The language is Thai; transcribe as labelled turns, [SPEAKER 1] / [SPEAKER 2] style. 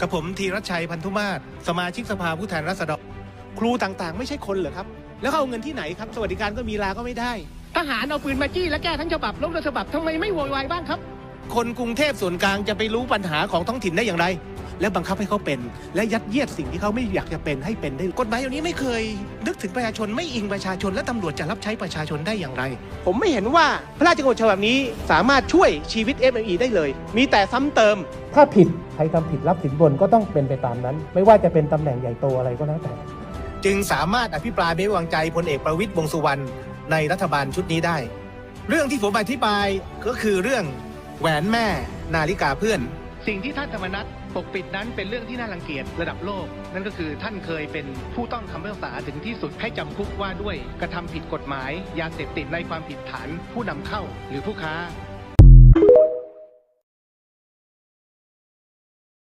[SPEAKER 1] กับผมธีรชัยพันธุมาศสมาชิกสภาผู้แทนราษฎรครูต่างๆไม่ใช่คนเหรอครับแล้วเขาเอาเงินที่ไหนครับสวัสดิการก็มีลาก็ไม่ได้
[SPEAKER 2] ทหารเอาปืนมาจี้และแก้ทั้งฉบับล้มทั้งฉบับทำไมไม่โวยวายบ้างครับ
[SPEAKER 1] คนกรุงเทพส่วนกลางจะไปรู้ปัญหาของท้องถิ่นได้อย่างไรและบังคับให้เขาเป็นและยัดเยียดสิ่งที่เขาไม่อยากจะเป็นให้เป็นได้กฎหมายอย่างนี้ไม่เคยนึกถึงประชาชนไม่อิงประชาชนและตำรวจจะรับใช้ประชาชนได้อย่างไรผมไม่เห็นว่าพระราชกำหนดฉบับนี้สามารถช่วยชีวิต SME ได้เลยมีแต่ซ้ำเติม
[SPEAKER 3] ถ้าผิดใครทำผิดรับสินบนก็ต้องเป็นไปตามนั้นไม่ว่าจะเป็นตำแหน่งใหญ่โตอะไรก็แล้วแต่
[SPEAKER 1] จึงสามารถอภิปรายไม่ไว้วางใจพลเอกประวิตรวงษ์สุวรรณในรัฐบาลชุดนี้ได้เรื่องที่ผมอธิบายก็คือเรื่องแหวนแม่นาฬิกาเพื่อน
[SPEAKER 2] สิ่งที่ท่านธรรมนัสปกปิดนั้นเป็นเรื่องที่น่ารังเกียจระดับโลกนั่นก็คือท่านเคยเป็นผู้ต้องคำพิพากษาถึงที่สุดให้จำคุกว่าด้วยกระทำผิดกฎหมายยาเสพติดในความผิดฐานผู้นำเข้าหรือผู้ค้า